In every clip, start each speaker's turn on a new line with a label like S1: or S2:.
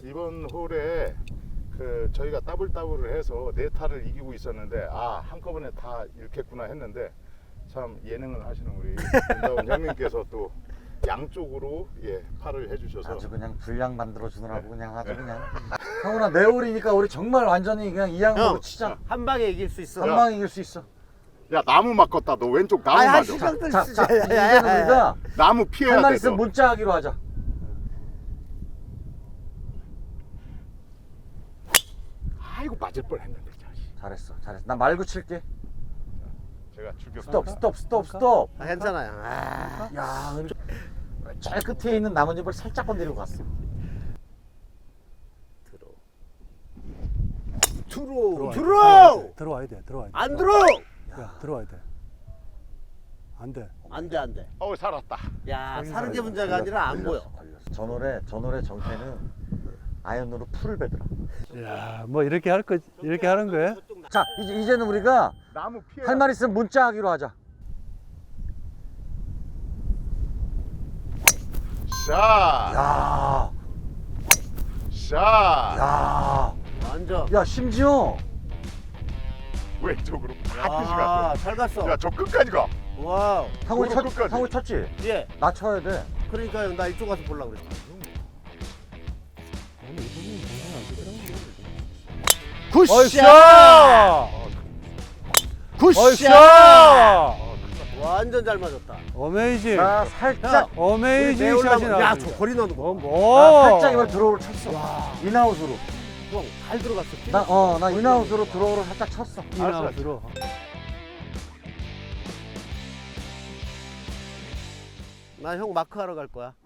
S1: 이번 홀에 그 저희가 더블을 해서 네 타를 이기고 있었는데 한꺼번에 다 잃겠구나 했는데 참 예능을 하시는 우리 윤다운 형님께서 또 양쪽으로 팔을 해주셔서
S2: 아주 그냥 분량 만들어 주느라고 그냥 아주 그냥. 형훈아 내 홀이니까 우리 정말 완전히 그냥 이양으로
S3: 형.
S2: 치자.
S3: 한 방에 이길 수 있어.
S2: 한 방에 이길 수 있어.
S1: 야 나무 맞겠다. 너 왼쪽 나무
S3: 아이,
S1: 맞아.
S3: 신경들
S2: 자,
S3: 쓰지.
S2: 이제는 우리가
S1: 나무 피해야
S2: 할 말
S1: 돼.
S2: 있으면
S1: 너.
S2: 문자 하기로 하자.
S1: 아이고 맞을 뻔했는데.
S2: 잘했어. 나 말고 칠게.
S1: 제가
S2: 스톱.
S3: 아, 괜찮아요.
S2: 야, 제일 끝에 있는 나뭇잎을 살짝 건드리고 갔어.
S3: 들어.
S4: 들어와야 돼.
S3: 안 들어.
S4: 야, 들어와야 돼. 안 돼.
S3: 안 돼.
S1: 살았다.
S3: 야, 사는 게 문제가 아니라 안 보여.
S2: 걸렸어. 전월의 정태는 아이언으로 풀을 베더라.
S4: 야, 뭐 이렇게 하는 거야?
S2: 자, 이제는 우리가
S1: 나무 피해.
S2: 할 말 있으면 문자 하기로 하자.
S1: 샷.
S2: 야,
S1: 샷.
S2: 야,
S3: 완전.
S2: 야, 심지어
S1: 왼쪽으로 반드시 갔어.
S3: 잘 갔어.
S1: 야 저 끝까지 가.
S3: 와우.
S2: 상훈이
S1: 도로 끝까지.
S2: 상훈이 쳤지?
S3: 예.
S2: 나 쳐야 돼.
S3: 그러니까요. 나 이쪽 가서 보려고 그랬어.
S4: 굿샷!
S3: 굿샷! 완전 잘 맞았다.
S4: 어메이징.
S2: 나 살짝,
S4: 어메이징 샷이
S3: 야,
S4: 나왔습니다.
S3: 저 거리 넣는 거.
S2: 살짝 이번 드로우를 쳤어. 인아웃으로.
S3: 형, 잘 들어갔어.
S2: 나 인아웃으로 드로우를 살짝 쳤어.
S4: 인아웃으로.
S3: 나 형 마크 하러 갈 거야.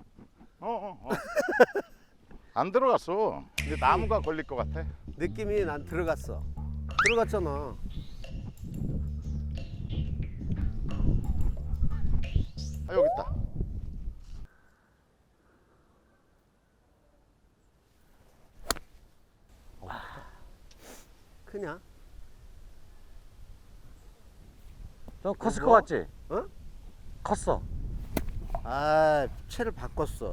S1: 안 들어갔어. 근데 나무가 걸릴 것 같아.
S3: 느낌이 난 들어갔어. 들어갔잖아.
S1: 여기 있다.
S3: 크냐?
S2: 좀 컸을
S3: 뭐?
S2: 것 같지?
S3: 어?
S2: 컸어.
S3: 아, 채를 바꿨어.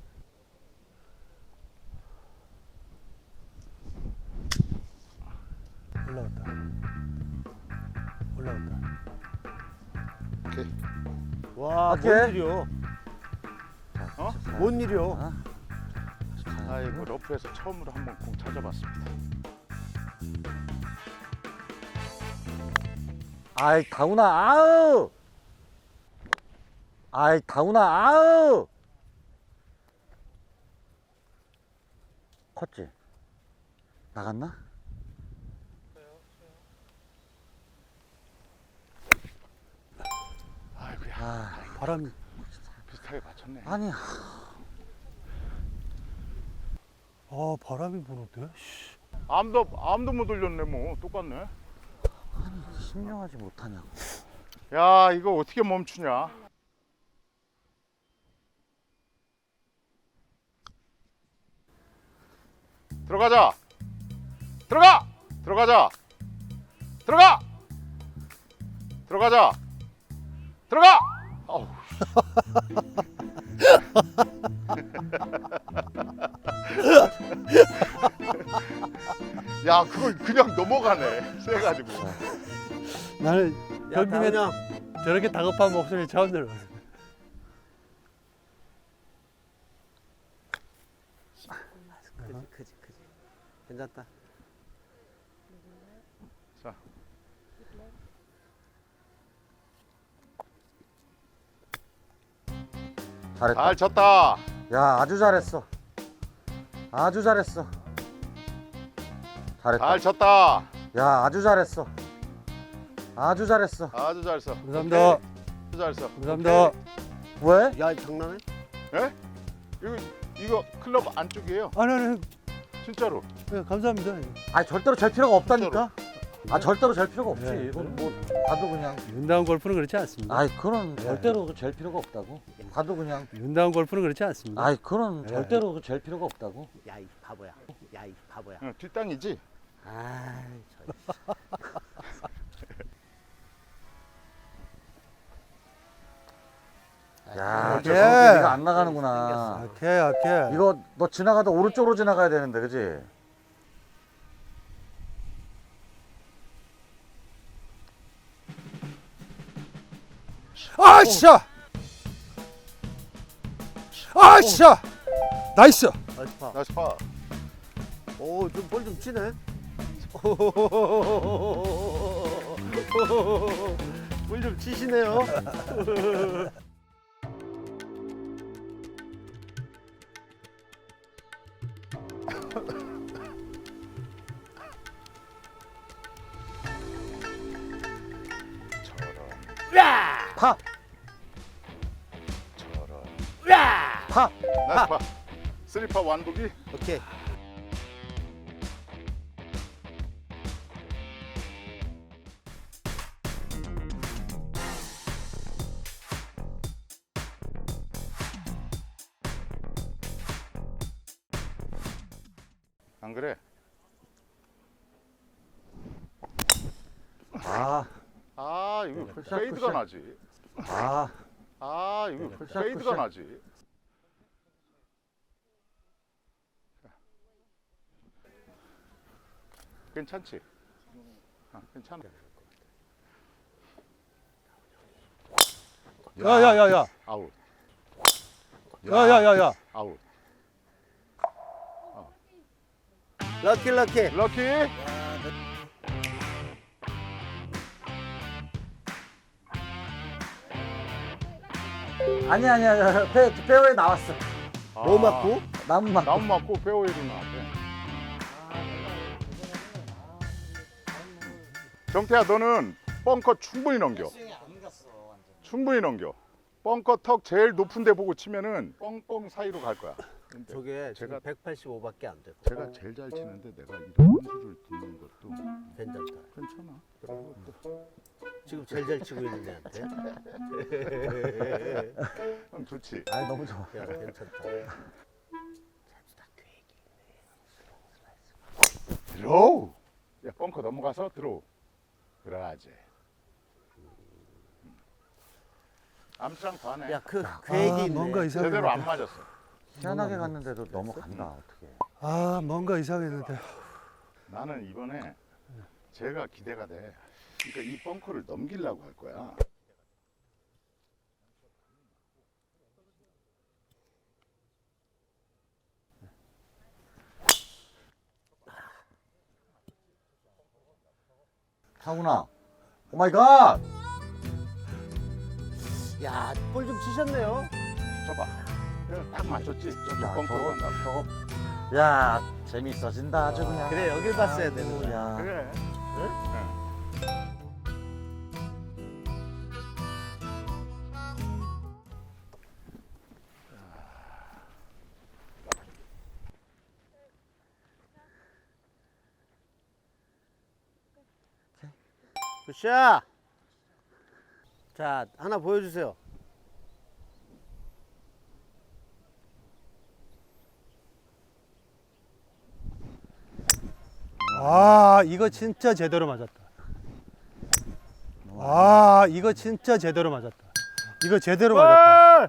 S4: 올라갔다.
S1: 오케이.
S3: 와,
S2: 오케이.
S3: 뭔 일이요?
S1: 어?
S3: 뭔 일이요?
S1: 아이고 러프에서 처음으로 한번 공 찾아봤습니다.
S2: 아이, 다운아, 아우! 아이, 다운아, 아우! 컸지? 나갔나?
S1: 아이고야.
S4: 바람이.
S1: 비슷하게 맞췄네.
S2: 아니,
S4: 바람이 부는데? 씨.
S1: 암도 못 올렸네 뭐. 똑같네.
S2: 신명하지 못하냐고.
S1: 야 이거 어떻게 멈추냐. 들어가자. 들어가자. 어우. 야 그걸 그냥 넘어가네. 세가지고.
S4: 나는
S3: 야,
S4: 별님의
S3: 다은형.
S4: 저렇게 다급한 목소리 처음 들어봤어.
S3: 크지. 괜찮다.
S1: 자.
S2: 잘했다.
S1: 잘 쳤다.
S2: 야, 아주 잘했어. 잘했다.
S1: 잘 쳤다.
S2: 야, 아주 잘했어.
S1: 아주 잘 써.
S4: 감사합니다.
S1: 아주 잘 써.
S4: 감사합니다.
S2: 왜?
S3: 야, 장난해?
S1: 예? 이거 클럽 안쪽이에요.
S4: 아니,
S1: 진짜로.
S4: 감사합니다.
S2: 아니, 절대로 잴 필요가 없다니까. 절대로 잴 필요가 없지.
S4: 네.
S2: 이건 뭐 봐도 그냥.
S4: 윤다운 골프는 그렇지 않습니다.
S2: 아이, 그런 절대로 잴 필요가 없다고. 봐도 그냥.
S4: 윤다운 골프는 그렇지 않습니다.
S2: 아이, 그런
S4: 네.
S2: 절대로 잴 필요가 없다고.
S3: 야, 이 바보야.
S1: 뒷땅이지.
S3: 아,
S2: 야, 저
S4: 오케이.
S2: 저렇게 네가 안 나가는구나.
S4: 약해 약해.
S2: 이거 너 지나가다 오른쪽으로 지나가야 되는데, 그지?
S4: 아씨야. 아씨야. 나이스.
S3: 나이스 파.
S1: 나이스 파.
S3: 오, 좀 볼 좀 치네. 볼 좀 치시네요.
S1: 저런
S2: 파!
S1: 저런.
S2: 파!
S1: 나이스 파. 쓰리파 완북이.
S3: 오케이.
S1: 안 그래?
S2: 아,
S1: 아 이거
S2: 굿샷,
S1: 페이드가
S2: 굿샷.
S1: 나지.
S2: 아,
S1: 아 이거
S2: 굿샷,
S1: 페이드가
S2: 굿샷.
S1: 나지. 괜찮지? 괜찮아.
S4: 야야야야.
S1: 아웃.
S4: 야야야야.
S1: 아웃.
S3: 럭키 럭키.
S1: 럭키.
S2: 아니야. 페어에 나왔어.
S3: 뭐 맞고?
S2: 나무 맞고.
S1: 나무 맞고 페어웨이로 나왔대. 정태야 너는 벙커 충분히 넘겨. 충분히 넘겨. 벙커 턱 제일 높은 데 보고 치면은 뻥뻥 사이로 갈 거야. 근데
S3: 저게
S1: 제가-
S3: 제가 185밖에 안 돼.
S1: 제가 제일 잘 치는데 내가 이런 수를 듣는 것도
S3: 괜찮다.
S1: 괜찮아. 그리고 또
S3: 지금 제일 잘 치고 있는 애한테.
S1: 형 좋지.
S2: 아, 너무 좋아.
S3: 야, 괜찮다.
S1: 들어오. 야 벙커 넘어가서 들어오. 그러지. 암스랑 반해.
S3: 야, 그 계획이 있네.
S4: 뭔가 이상해.
S1: 제대로 안 맞았어.
S2: 희한하게 갔는데도 넘어간다, 어떻게.
S4: 아 뭔가 이상했는데.
S1: 나는 이번에 제가 기대가 돼. 그러니까 이 벙커를 넘기려고 할 거야.
S2: 타구나. 오 마이 갓!
S3: 야, 볼 좀 치셨네요.
S1: 저봐. 내가 딱 맞췄지. 저기
S2: 야,
S1: 벙커로 간다.
S2: 저거. 야, 재밌어진다, 아주 그냥.
S3: 그래, 여길 봤어야 되는 거야.
S2: 야.
S1: 그래.
S3: 굿샷. 자, 하나 보여주세요.
S4: 아 이거 진짜 제대로 맞았다. 아 이거 진짜 제대로 맞았다. 이거 제대로 맞았다.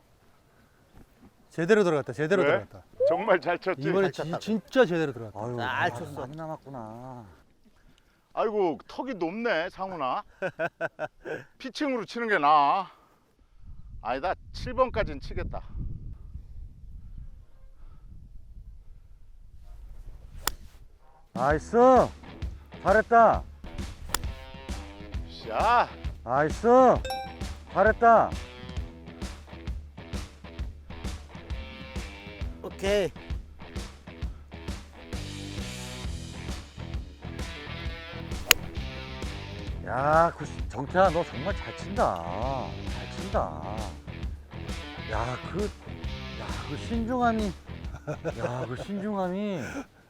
S4: 제대로 들어갔다. 제대로
S1: 왜?
S4: 들어갔다.
S1: 정말 잘 쳤지.
S4: 이번에
S3: 잘 쳤다.
S4: 진짜 제대로 들어갔다.
S2: 아유,
S3: 잘 쳤어.
S2: 많이 남았구나.
S1: 아이고 턱이 높네 상훈아. 피칭으로 치는 게 나아. 아니다 7번까지는 치겠다.
S2: 나이스! 잘했다.
S1: 샤.
S2: 나이스! 잘했다.
S3: 오케이.
S2: 야, 정태야, 너 정말 잘 친다. 잘 친다. 야, 그 신중함이, 야, 그 신중함이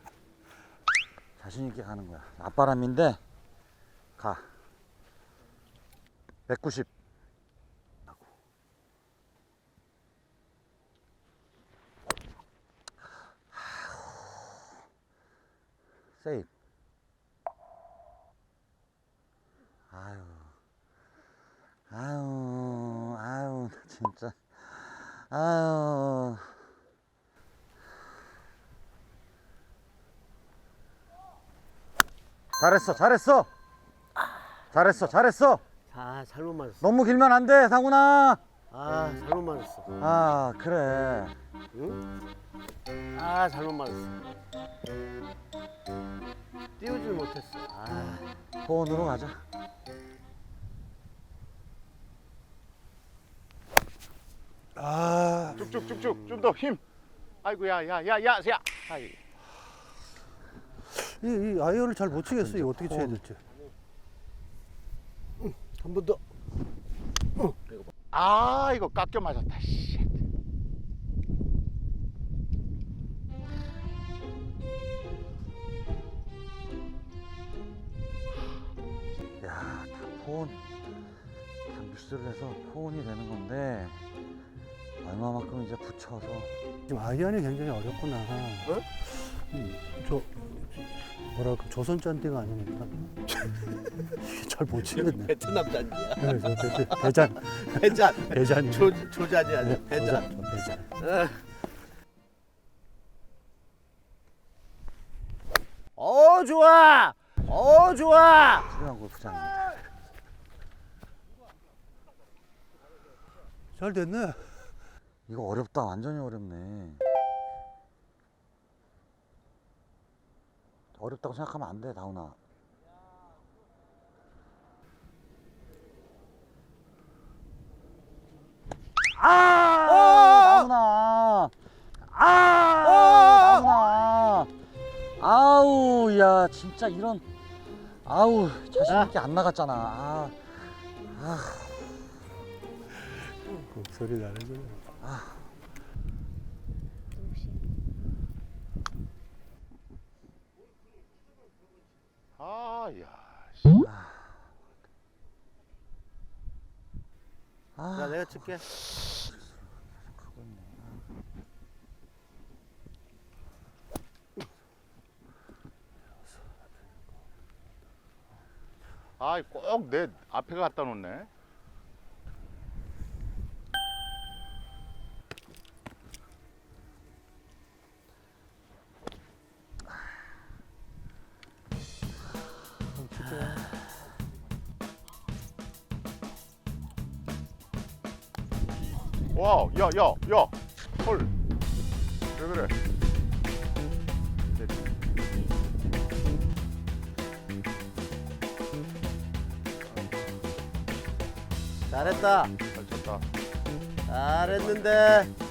S2: 자신 있게 가는 거야. 앞바람인데 가. 190. 세이브. 아유, 나 참. 진짜. 아유. 잘했어, 잘했어. 잘했어, 잘했어.
S3: 아, 잘못 맞았어.
S2: 너무 길면 안 돼, 상훈아.
S3: 아, 잘못 맞았어.
S2: 아, 그래.
S3: 응? 아, 잘못 맞았어. 띄우질 못했어. 아,
S2: 포원으로 가자.
S4: 아,
S1: 쭉쭉쭉쭉 좀 더 힘. 아이고 야야야야 야. 아이.
S4: 이 아이언을 잘 못 치겠어. 이거 어떻게 쳐야 될지.
S3: 한 번 더.
S1: 아 이거 깎여 맞았다. 씨.
S2: 야, 다 포원. 다 믹스를 해서 포원이 되는 건데 얼마만큼 이제 붙여서.
S4: 지금 아이언이 굉장히 어렵구나. 저 뭐랄까 조선 짠띠가 아니니까 이게 잘 못 치겠네.
S3: 베트남 잔디야.
S4: 네, 저 대잔
S3: 배잔.
S4: 대잔이.
S3: 조잔이 아니야.
S4: 네,
S3: 배잔.
S4: 대잔.
S3: 좋아. 좋아.
S2: 훌륭한 골프장.
S4: 잘 됐네.
S2: 이거 어렵다. 완전히 어렵네. 어렵다고 생각하면 안 돼, 다운아. 다운아. 다운아. 아우, 야, 진짜 이런. 아우, 자신 있게 안 나갔잖아.
S4: 그 소리 나는 거.
S1: 아야.
S3: 자, 내가 칠게.
S1: 아이 꼭 내 앞에 갖다 놓네. 와우, 야, 헐, 왜 그래?
S3: 잘했다.
S1: 잘 쳤다.
S3: 잘했는데.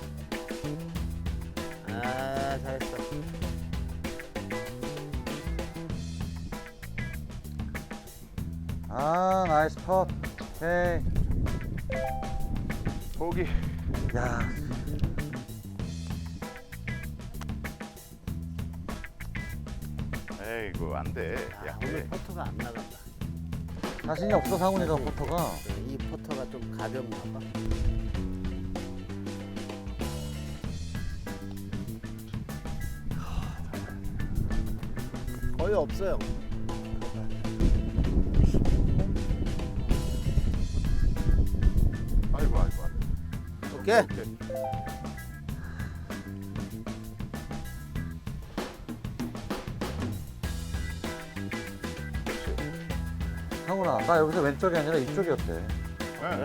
S3: 아, 잘했어.
S2: 나이스 컷. 오케이.
S1: 보기.
S2: 야,
S1: 에이구 안 돼.
S3: 야, 오늘 포터가 안 나간다.
S2: 자신이 없어, 상훈이가 포터가.
S3: 이 포터가 좀 가볍나 봐. 거의 없어요.
S1: 아이고.
S3: 오케이.
S2: 상훈아, 나 여기서 왼쪽이 아니라 이쪽이었대.
S1: 네.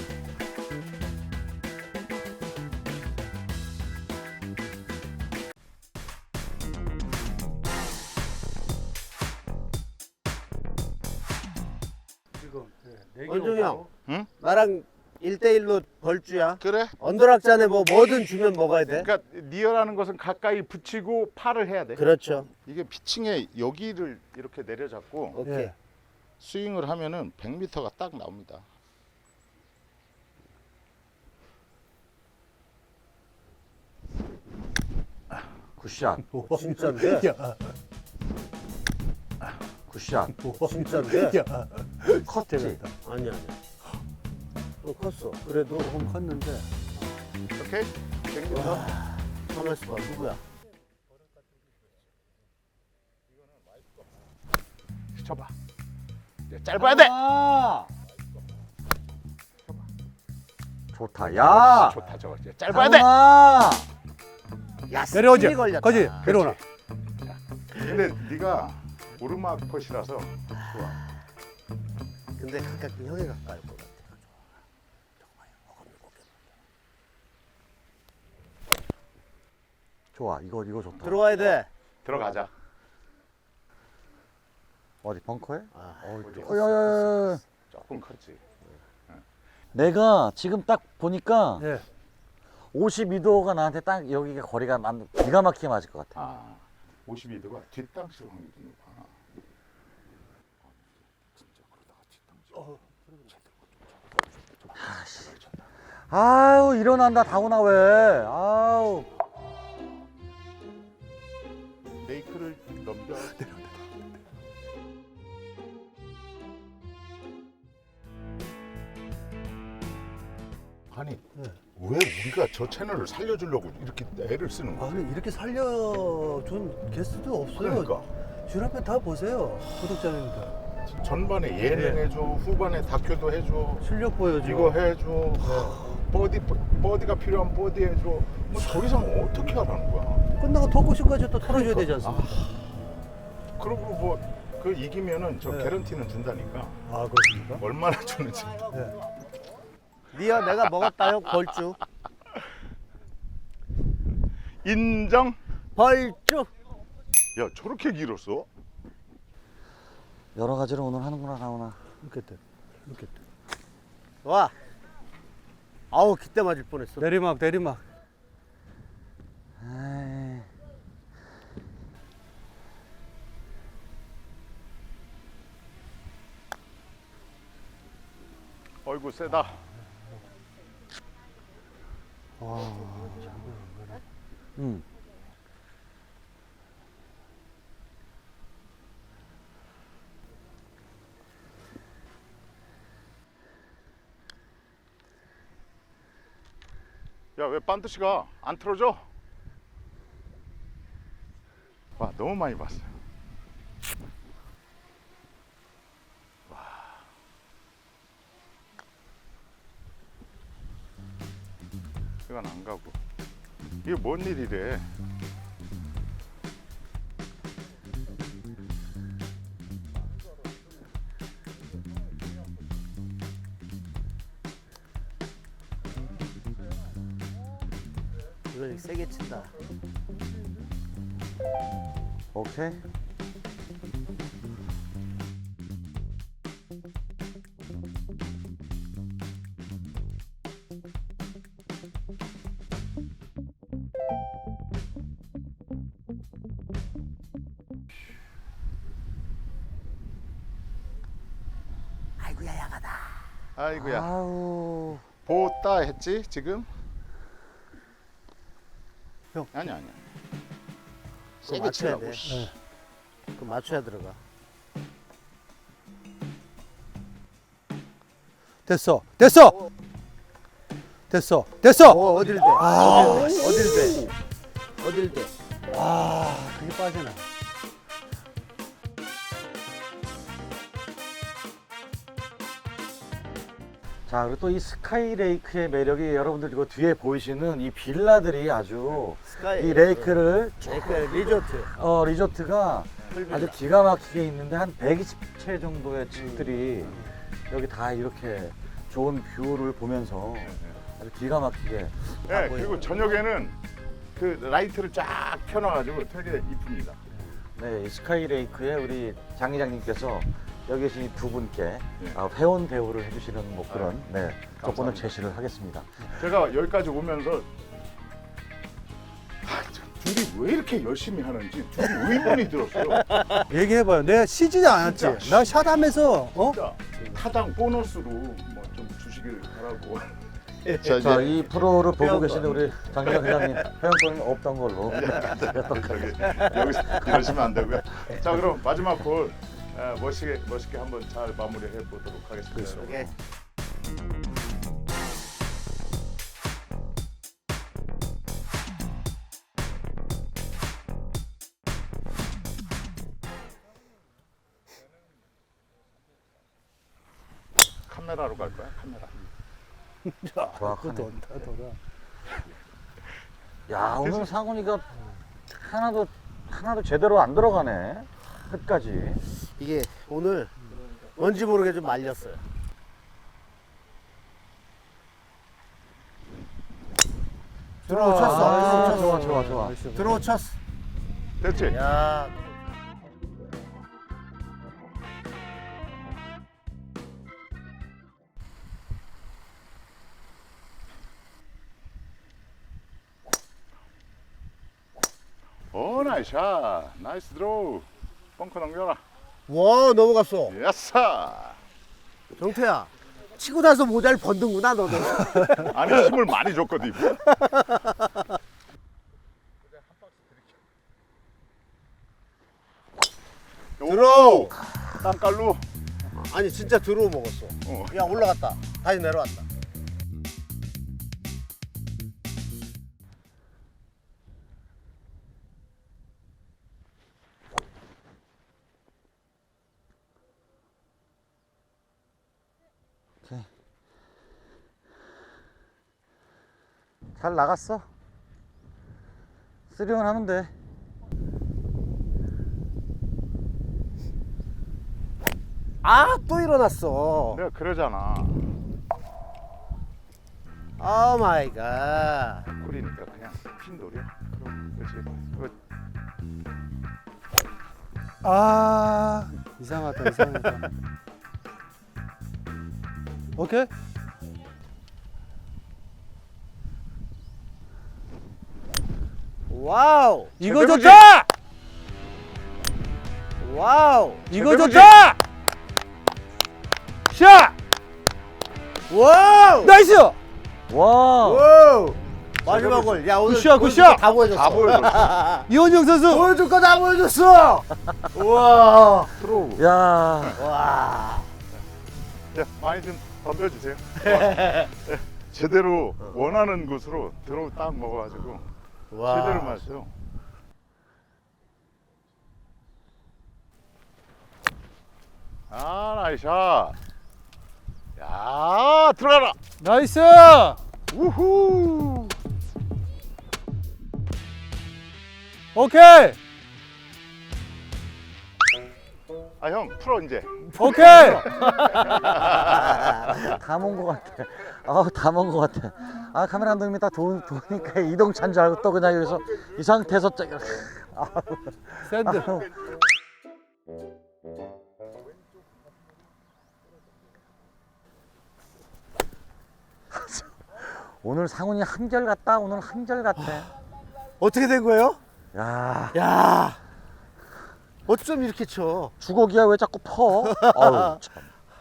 S3: 원종이 형.
S1: 응?
S3: 나랑 1대1로 벌주야.
S1: 그래?
S3: 언더락잔에 뭐든 주면 먹어야 돼.
S1: 그러니까 니어라는 것은 가까이 붙이고 팔을 해야 돼.
S3: 그렇죠.
S1: 이게 피칭에 여기를 이렇게 내려잡고
S3: 오케이.
S4: 예.
S1: 스윙을 하면은 100m가 딱 나옵니다.
S2: 굿샷.
S3: 진짜인데?
S4: 야,
S2: 굿샷.
S3: 진짜인데?
S4: 야,
S2: 컸지.
S4: 재밌다.
S3: 아니야. 컸어. 그래도
S4: 조금 컸는데.
S1: 오케이? 100m.
S3: 가만 있어봐. 누구야?
S1: 쳐봐. 짧아야 돼.
S2: 좋다. 야!
S1: 좋다 저거. 짧아야 돼.
S2: 상훈아!
S3: 야,
S4: 내려오지.
S3: 스피드 걸렸다.
S4: 거지. 내려오나.
S1: 근데 네가 오르막 컷이라서 좋아.
S3: 근데 가깝게 형이 가까울 것 같아.
S2: 좋아. 이거 좋다.
S3: 들어가야 돼.
S1: 들어가자.
S2: 어디 벙커에?
S3: 아,
S2: 야야야.
S1: 조금 컸지.
S2: 내가 지금 딱 보니까
S4: 예.
S2: 52도가 나한테 딱 여기가 거리가 기가 막히게 맞을 것 같아.
S1: 아, 52도가 뒷땅칠 확률이 높아. 진짜 그러다가 뒷땅칠.
S2: 아유 일어난다 다구나 왜? 아우.
S1: 레이크를 넘겨. 아니 왜 우리가 저 채널을 살려주려고 이렇게 애를 쓰는 거야?
S4: 아니 이렇게 살려준 게스트도 없어요.
S1: 그러니까
S4: 줄 앞에 다 보세요. 구독자님들.
S1: 전반에 예능 해줘, 후반에 다큐도 해줘,
S4: 실력 보여줘.
S1: 이거 해줘, 버디가 필요한 버디 해줘. 뭐 더 이상 어떻게 하라는 거야?
S4: 끝나고 토크쇼까지 또 털어줘야 되지 않습니까?
S1: 그리고 뭐 그 이기면은 저
S4: 네.
S1: 개런티는 준다니까.
S4: 아 그렇습니까?
S1: 얼마나 주는지.
S4: 네.
S3: 니어 내가 먹었다요 벌주.
S1: 인정?
S3: 벌주.
S1: 야 저렇게 길었어?
S2: 여러 가지로 오늘 하는구나 다구나.
S4: 이렇게 돼. 이렇게 돼.
S3: 와. 아우 기대 맞을 뻔했어.
S4: 내리막 내리막.
S2: 에이.
S1: 어이구 세다.
S2: 응.
S1: 야 왜 반드시가 안 틀어져? 와 너무 많이 봤어요. 이건 안 가고. 이게 뭔 일이래?
S3: 이걸 세게 친다.
S2: 오케이.
S3: 아이고야 야가다.
S1: 아이고야.
S2: 아우.
S1: 보따 했지 지금?
S4: 형.
S1: 아니야.
S3: 그거
S1: 세게
S3: 맞춰야
S1: 치라고.
S3: 돼.
S1: 씨.
S3: 그 맞춰야 들어가.
S4: 됐어. 됐어. 됐어. 됐어.
S3: 어딜 돼? 어딜 돼? 어딜 돼?
S4: 아 그게 빠지나.
S2: 자 그리고 또 이 스카이레이크의 매력이 여러분들 이거 뒤에 보이시는 이 빌라들이 아주
S3: 스카이.
S2: 이 레이크를
S3: 레이크 리조트.
S2: 리조트가 아주 기가 막히게 있는데 한 120채 정도의 집들이 여기 다 이렇게 좋은 뷰를 보면서 아주 기가 막히게.
S1: 네, 그리고 저녁에는 그 라이트를 쫙 펴놔가지고 되게 이쁩니다.
S2: 네, 이 스카이레이크에 우리 장 이장님께서 여기 계신 이 두 분께
S1: 네.
S2: 회원 대우를 해주시는 뭐 그런 네, 조건을
S1: 감사합니다.
S2: 제시를 하겠습니다.
S1: 제가 여기까지 오면서 둘이 왜 이렇게 열심히 하는지 둘이 의문이 들었어요.
S4: 얘기해봐요. 내가 쉬지도 않았지.
S1: 진짜.
S4: 나 샷하면서
S1: 진짜 타당 보너스로 뭐 좀 주시길 바라고.
S2: 자, 이 프로를 보고
S3: 회원권.
S2: 계시는 우리 장기장 회장님 회원권이 없던 걸로.
S1: 여기서 이러시면 안 되고요. 자 그럼 마지막 홀 멋있게 한번 잘 마무리해 보도록 하겠습니다.
S3: 오케이.
S1: 카메라로 갈 거야? 카메라.
S2: 정확하네.
S4: 돈다 돌아.
S2: 야, 오늘 상훈이가 하나도 제대로 안 들어가네. 끝까지.
S3: 이게 오늘 뭔지 모르게 좀 말렸어요. 들어오 쳤어.
S2: 아,
S3: 들어오 쳤어.
S2: 좋아.
S4: 나이스.
S3: 들어오 쳤어.
S1: 됐지?
S3: 야.
S1: 오, 나이스 샷. 나이스 드로우. 벙커 넘겨라.
S3: 와 넘어갔어.
S1: 야싸.
S3: 정태야. 치고 나서 모자를 벗는구나 너도.
S1: 아니, 힘을 많이 줬거든. 이거.
S3: 들어오.
S1: 땅깔로.
S3: 아니 진짜 들어오 먹었어.
S1: 어.
S3: 야 올라갔다. 다시 내려왔다.
S2: 잘 나갔어. 3온 하면 돼.
S3: 아 또 일어났어.
S1: 내가 그러잖아.
S3: 오 마이 갓.
S1: 꿀이니까 그냥 핀돌이야. 그렇지. 그거
S4: 아 이상하다. 오케이.
S3: 와우.
S4: 이거
S1: 제대로지?
S4: 좋다.
S3: 와우.
S4: 이거
S1: 제대로지?
S4: 좋다. 샷.
S3: 와우.
S4: 나이스.
S2: 와.
S3: 와우. 마지막 골. 야 오늘
S4: 굿샷,
S3: 보여줄
S4: 굿샷.
S3: 거다 보여줬어.
S1: 다 보여줬어.
S4: 이원영 선수.
S3: 보여줄 거 다 보여줬어. 우와.
S1: 드로우.
S2: 야.
S3: 와.
S1: 자, 많이 좀 덤벼주세요. 제대로 원하는 곳으로 드로우 딱 먹어가지고
S3: 와.
S1: 제대로 맞았어요. 아, 나이스 샷. 야, 들어가라.
S4: 나이스.
S1: 우후.
S4: 오케이.
S1: 아, 형 풀어 이제.
S4: 오케이.
S2: 다 먹은 것 같아. 다 먹은 것 같아. 아, 카메라 감독님이 딱 도니까 이동찬 줄 알고 또 그냥 여기서 이 상태에서
S4: 샌드.
S2: 오늘 상훈이 한결같다. 오늘 한결같아.
S3: 어떻게 된 거예요?
S2: 야,
S3: 야. 어쩜 이렇게 쳐?
S2: 주걱이야 왜 자꾸 퍼? 아유, 참.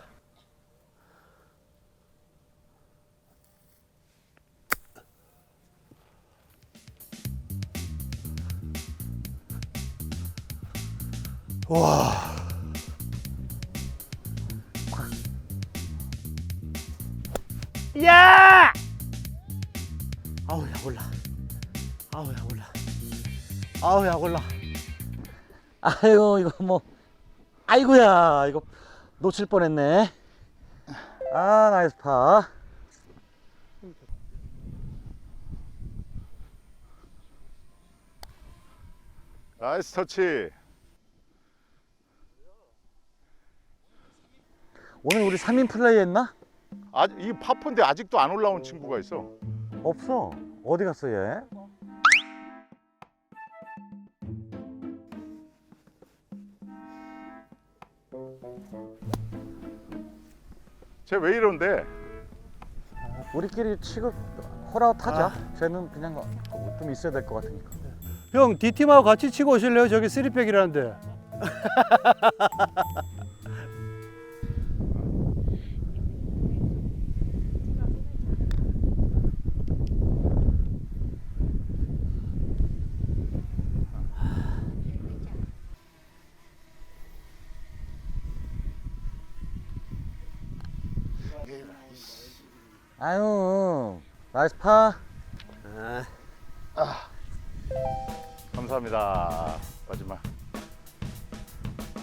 S3: 와. 야! 아우 야 올라. 아우 야 올라. 아우 야 올라.
S2: 아이고 이거 뭐, 아이고야 이거 놓칠 뻔했네. 아, 나이스 파.
S1: 나이스 터치.
S2: 오늘 우리 3인 플레이 했나?
S1: 아, 이 파폰데 아직도 안 올라온 친구가 있어.
S2: 없어. 어디 갔어 얘?
S1: 쟤 왜 이런데?
S2: 우리끼리 치고 홀아웃 하자. 쟤는 그냥 좀 있어야 될 것 같으니까.
S4: 형 D팀하고 같이 치고 오실래요? 저기 3백이라는데.
S2: 아유, 나이스 파.
S1: 감사합니다. 마지막.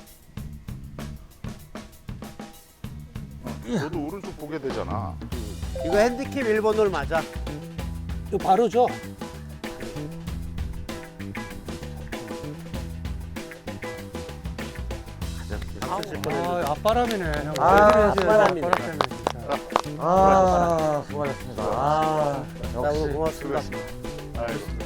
S1: 너도 오른쪽 보게 되잖아.
S3: 이거 핸디캡 1번홀 맞아.
S4: 이거 바로 줘. 아, 앞바람이네. 형.
S2: 아,
S4: 왜 그래,
S3: 앞바람이네.
S4: 앞바람 때문에 진짜.
S2: 아, 수고하셨습니다. 아,
S3: 너무
S2: 역시.
S3: 고맙습니다.
S1: 아이고.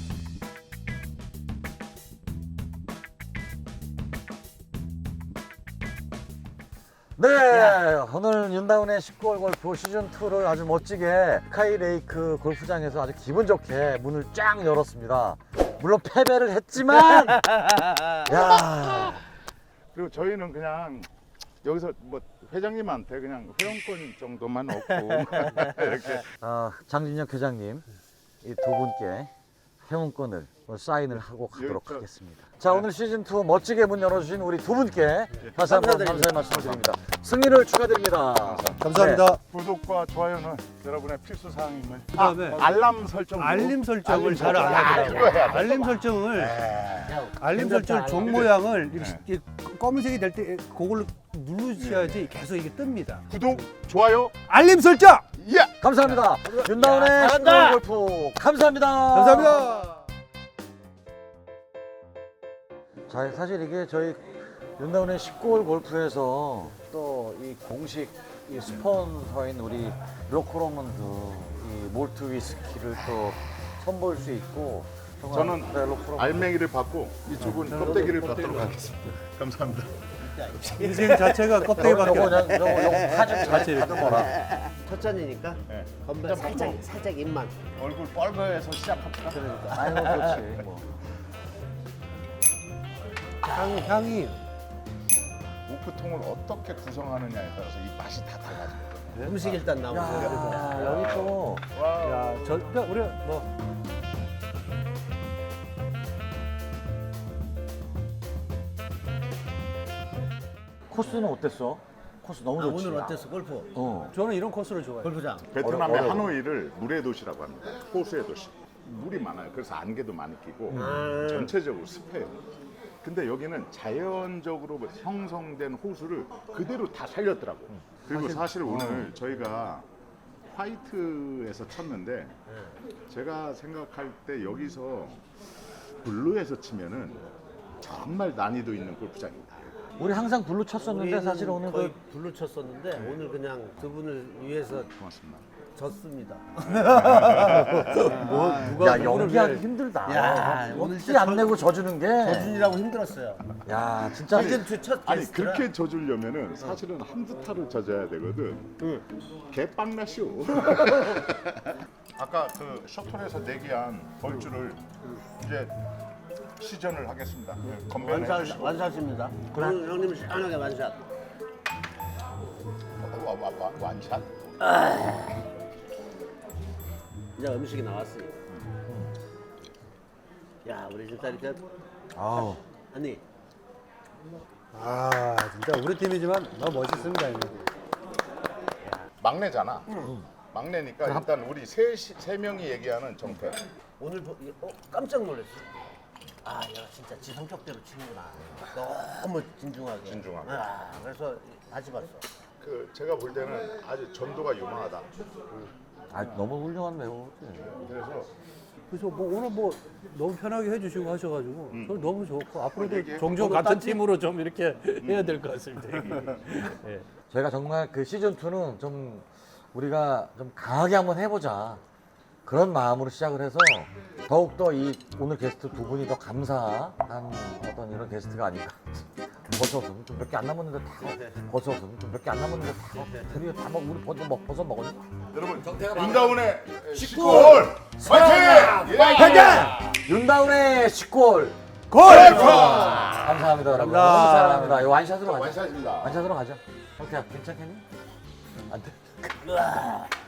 S2: 네, 오늘 윤다운의 19홀 골프 시즌2를 아주 멋지게 스카이레이크 골프장에서 아주 기분 좋게 문을 쫙 열었습니다. 물론 패배를 했지만, 야,
S1: 그리고 저희는 그냥 여기서 뭐 회장님한테 그냥 회원권 정도만 얻고 이렇게
S2: 장진혁 회장님 이 두 분께 회원권을 사인을 하고 가도록
S1: 저-
S2: 하겠습니다. 자, 오늘 시즌2 멋지게 문 열어주신 우리 두 분께 다시 한번 감사의 말씀드립니다. 승리를 축하드립니다.
S4: 감사합니다.
S1: 구독과 좋아요는 여러분의 필수 사항임을.
S4: 그다음에
S1: 알람 설정.
S4: 알림 설정을
S1: 알림
S4: 잘 안
S1: 설정. 이거 해야
S4: 하더라고.
S1: 돼.
S4: 알림 설정을 알림 설정 종 모양을 이렇게 검은색이 될 때 그걸로 누르셔야지 계속 이게 뜹니다.
S1: 구독, 좋아요,
S4: 알림 설정.
S1: 예.
S2: 감사합니다. 윤다운의
S3: 잘한다.
S2: 19홀 골프 감사합니다.
S4: 감사합니다.
S2: 자, 사실 이게 저희 윤다운의 19홀 골프에서 또 이 공식 이 스폰서인 우리 로코로먼드 이 몰트 위스키를 또 선보일 수 있고
S1: 저는
S2: 네, 로코로먼드.
S1: 알맹이를 받고 이쪽은 껍데기를 받도록 하겠습니다. 감사합니다.
S4: 인생 자체가 껍데기밖에
S2: 요거
S4: 안
S2: 그냥 요거 사진
S4: 자체 이렇게.
S2: 거라.
S3: 첫 잔이니까
S1: 네.
S3: 건배 살짝 입만.
S1: 얼굴 뻘거해서 시작합시다.
S3: 그러니까.
S2: 아이고 그렇지 뭐.
S4: 향이
S1: 우프통을 어떻게 구성하느냐에 따라서 이 맛이 다 달라집니다.
S3: 음식 일단 나오고.
S2: 야, 여기 또
S4: 야, 우리 뭐
S2: 코스는 어땠어? 코스 너무 좋지.
S3: 오늘 어땠어 골프?
S4: 저는 이런 코스를 좋아해요.
S3: 골프장.
S1: 베트남의
S2: 어려워.
S1: 하노이를 물의 도시라고 합니다. 호수의 도시. 물이 많아요. 그래서 안개도 많이 끼고 전체적으로 습해요. 근데 여기는 자연적으로 형성된 호수를 그대로 다 살렸더라고요. 그리고 사실 오늘 저희가 화이트에서 쳤는데 제가 생각할 때 여기서 블루에서 치면은 정말 난이도 있는 골프장입니다.
S2: 우리 항상 블루 쳤었는데 사실 오늘
S3: 거의
S2: 그
S3: 불로 쳤었는데 오늘 그냥 두 분을 위해서
S1: 고맙습니다.
S3: 졌습니다.
S2: 야, 연기하기 힘들다.
S3: 야, 오늘
S2: 티
S3: 진짜
S2: 안 내고 져주는 게.
S3: 저준이라고 힘들었어요.
S2: 야, 진짜.
S3: 시즌 2첫
S1: 아니
S3: 게스트라.
S1: 그렇게 져주려면은 사실은 한두 타를 져줘야 되거든. 개빵나쇼. 아까 그 셔틀에서 내기한 벌주를 이제 시전을 하겠습니다. 건배를 해주시고.
S3: 완샷입니다. 오늘 형님 시원하게 완샷.
S1: 완샷.
S3: 이제 음식이 나왔으니까. 야, 우리 진짜 이렇게
S2: 아우.
S3: 아니
S4: 아, 진짜 우리 팀이지만 너무 멋있습니다. 이거.
S1: 막내잖아. 막내니까 일단 우리 세 명이 얘기하는 정패.
S3: 오늘 깜짝 놀랐어. 아, 얘가 진짜 지 성격대로 치는구나. 너무 진중하게.
S1: 진중하게.
S3: 아, 그래서 다시 봤어.
S1: 그 제가 볼 때는 아주 전도가 유망하다.
S2: 아, 너무 훌륭한 배우지.
S1: 그래서
S4: 그래서 뭐 오늘 뭐 너무 편하게 해주시고 하셔가지고 저는 너무 좋고 앞으로도
S1: 얘기해.
S4: 종종
S3: 오늘
S4: 같은
S3: 딴지?
S4: 팀으로 좀 이렇게 해야 될 것 같습니다. 예.
S2: 저희가 정말 그 시즌2는 좀 우리가 좀 강하게 한번 해보자. 그런 마음으로 시작을 해서 더욱더 이 오늘 게스트 두 분이 더 감사한 어떤 이런 게스트가 아닌가. 버섯은 좀 몇 개 안 남았는데 다 버섯은 좀 몇 개 안 남았는데 다 드디어 다 먹. 우리 버섯 먹었니?
S1: 여러분 윤다운의 19홀 화이팅!
S2: 화이팅! 윤다운의 19홀
S1: 골프!
S2: 감사합니다 여러분. 너무 사랑합니다. 이거 완샷으로 가자.
S1: 완샷입니다.
S2: 완샷으로 가자. 오케이 괜찮겠니? 안 돼?